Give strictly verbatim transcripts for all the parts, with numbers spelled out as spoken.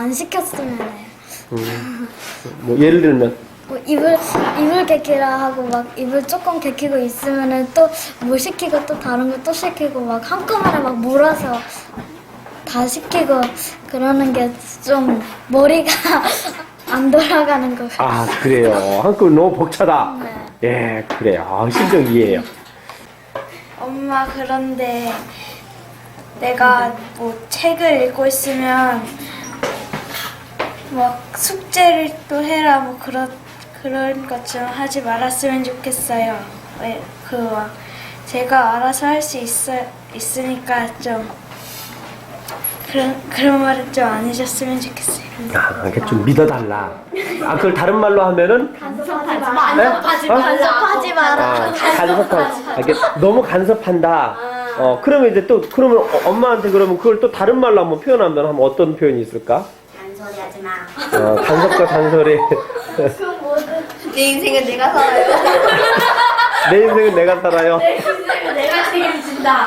안 시켰으면 해요. 음. 뭐 예를 들면 뭐 이불 이불 개키라 하고 막 이불 조금 개키고 있으면은 또 뭐 시키고 또 다른 거 또 시키고 막 한꺼번에 막 몰아서 다 시키고 그러는 게 좀 머리가 안 돌아가는 거 같아요. 아 그래요. 한꺼번에 너무 벅차다. 네. 예 그래요. 아, 심정 이해해요. 엄마 그런데 내가 뭐 책을 읽고 있으면 뭐 숙제를 또 해라 뭐 그런 그런 것 좀 하지 말았으면 좋겠어요. 왜 그 막 제가 알아서 할 수 있어 있으니까 좀 그런 그런 말은 좀 안 해줬으면 좋겠어요. 아, 이게 좀 믿어달라. 아, 그걸 다른 말로 하면은? 간섭하지 마. 네? 간섭하지 어? 간섭하지 마라. 아, 간섭한, 아, 이게 너무 간섭한다. 어, 그러면 이제 또, 그러면 어, 엄마한테 그러면 그걸 또 다른 말로 한번 표현하면 하면 어떤 표현이 있을까? 잔소리 하지 마. 어, 간섭과 잔소리. 내 인생은 내가 살아요. 내 인생은 내가 살아요. 내가 책임진다.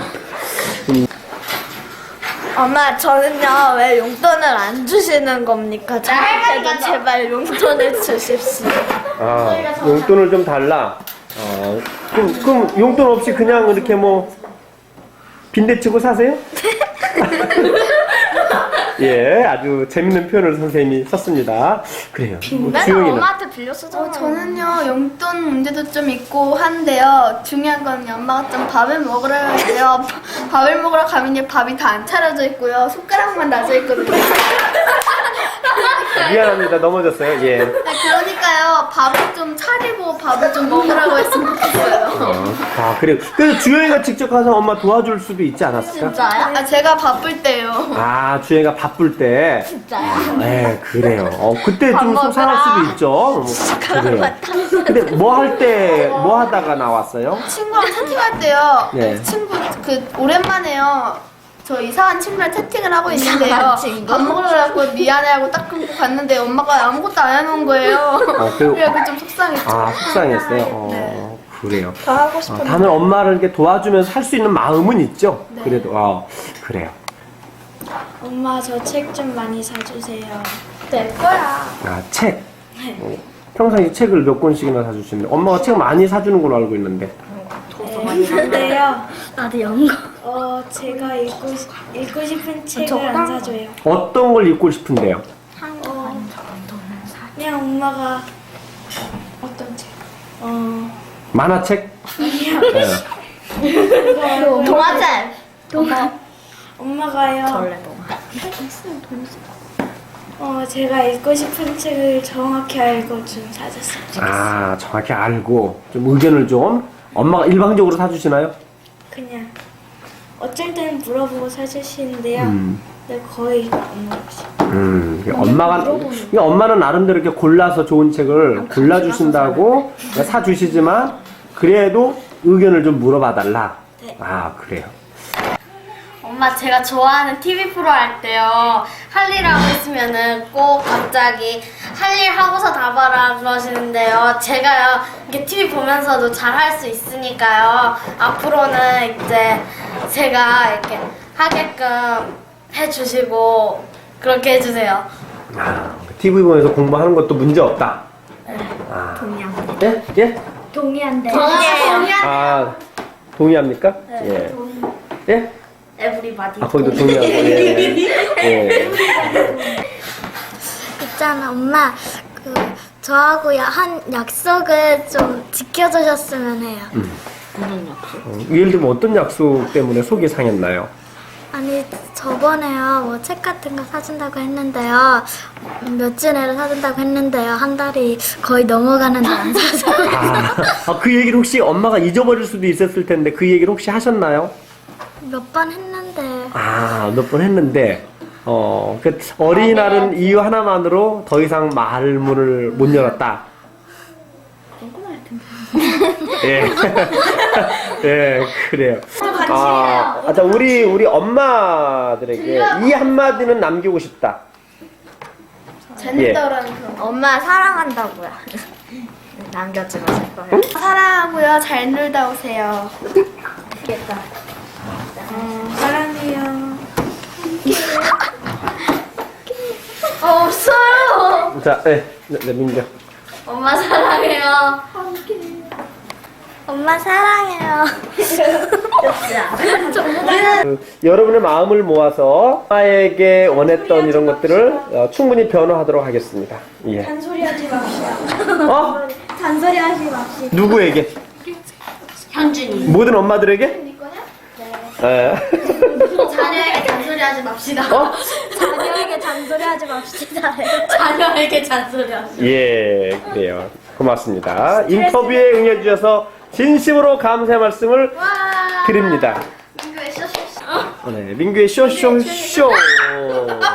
엄마 저는요 왜 용돈을 안 주시는 겁니까? 저한테도 제발 용돈을 주십시오. 아, 용돈을 좀 달라. 어, 그럼, 그럼 용돈 없이 그냥 이렇게 뭐, 빈대치고 사세요? 예, 아주 재밌는 표현을 선생님이 썼습니다. 그래요. 뭐 주영이는? 빌려 쓰잖아요. 어, 저는요 용돈 문제도 좀 있고 한데요. 중요한 건 엄마가 좀 밥을 먹으러 가는데요. 밥을 먹으러 가면 이제 밥이 다 안 차려져 있고요. 숟가락만 놔져 있거든요. 미안합니다. 넘어졌어요. 예. 네, 그러니까요 밥을 좀 차리고 밥을 좀 먹으라고 했으면 좋겠어요. 어. 아, 그래요. 그래서 주영이가 직접 가서 엄마 도와줄 수도 있지 않았을까? 진짜요? 아 제가 바쁠 때요. 아, 주영이가 바쁠 때. 진짜요? 네, 그래요. 어, 그때 좀 속상할 수도 있죠. 뭐, 그래요. 근데 뭐 할 때, 뭐 하다가 나왔어요? 친구랑 채팅할 때요. 네. 친구 그 오랜만에요. 저 이상한 친구랑 채팅을 하고 있는데요. 밥 먹으러 가고 미안해하고 딱 끊고 갔는데 엄마가 아무것도 안 해놓은 거예요. 아, 그- 그래서 좀 속상했죠. 아, 속상했어요. 어, 그래요. 더 하고 어, 싶은데. 다들 엄마를 이렇게 도와주면서 할 수 있는 마음은 있죠. 그래도, 어, 그래요. 엄마 저 책 좀 많이 사주세요. 내 거야. 아, 책. 어, 평상시 책을 몇 권씩이나 사주시는데, 엄마가 책 많이 사주는 걸로 알고 있는데. 근데요, 나도 연거. 어 제가 읽고 싶- 읽고 싶은 책을 안 사줘요. 어떤 걸 읽고 싶은데요? 어, 그냥 엄마가 어떤 책? 어 만화책? 네. 동화책. 엄마 엄마가요. 어 제가 읽고 싶은 책을 정확히 알고 좀 사줬으면 좋겠어요. 아, 정확히 알고, 좀 의견을 좀, 엄마가 일방적으로 사주시나요? 그냥 어쩔 때는 물어보고 사주시는데요. 음. 근데 거의 안 물어보시고. 음, 엄마가, 그러니까 엄마는 나름대로 이렇게 골라서 좋은 책을 골라주신다고 사주시지만, 그래도 의견을 좀 물어봐달라. 네. 아, 그래요. 엄마 제가 좋아하는 티비 프로 할 때요. 할 일 하고 있으면은 꼭 갑자기 할 일 하고서 다 봐라 그러시는데요. 제가요 이렇게 티비 보면서도 잘 할 수 있으니까요. 앞으로는 이제 제가 이렇게 하게끔 해주시고 그렇게 해주세요. 아, 티비 보면서 공부하는 것도 문제 없다. 아. 동의합니다. 예? 예? 동의한대. 동의해요. 아, 동의합니까? 예. 예? 에브리바디. 아, 거기도 동의하고, 예. 예. 있잖아 엄마 그 저하고 야- 한 약속을 좀 지켜주셨으면 해요. 어, 예를 들면 어떤 약속 때문에 속이 상했나요? 아니 저번에요 뭐 책 같은 거 사준다고 했는데요 며칠 내로 사준다고 했는데요 한 달이 거의 넘어가는데 안 사줘. 아, 아, 그 얘기를 혹시 엄마가 잊어버릴 수도 있었을 텐데 그 얘기를 혹시 하셨나요? 몇 번 했는데 아, 몇 번 했는데, 어, 그 어린이날은 이유 하나만으로 더 이상 말문을 못 열었다. 예. 예, 그래요. 아, 아, 자, 우리, 우리 엄마들에게 이 한마디는 남기고 싶다. 재밌더라는 그 엄마 사랑한다고요. 남겨주고 싶어요. 사랑하고요. 잘 놀다 오세요. 어, 사랑해요. 없어요. 자, 네, 네, 네 민규. 엄마 사랑해요. 엄마 사랑해요. 그, 여러분의 마음을 모아서 엄마에게 원했던 이런 것들을 어, 충분히 변화하도록 하겠습니다. 예. 잔소리하지 맙시다. 어? 잔소리하지 맙시다. 누구에게? 현준이. 모든 엄마들에게? 네. 자녀에게 잔소리하지 맙시다. 어? 자녀에게 잔소리하지 맙시다. 자녀에게 잔소리하지. 예, 그래요. 고맙습니다. 인터뷰에 응해주셔서 진심으로 감사의 말씀을 드립니다. 민규의 쇼쇼쇼. 네, 민규의 쇼쇼쇼.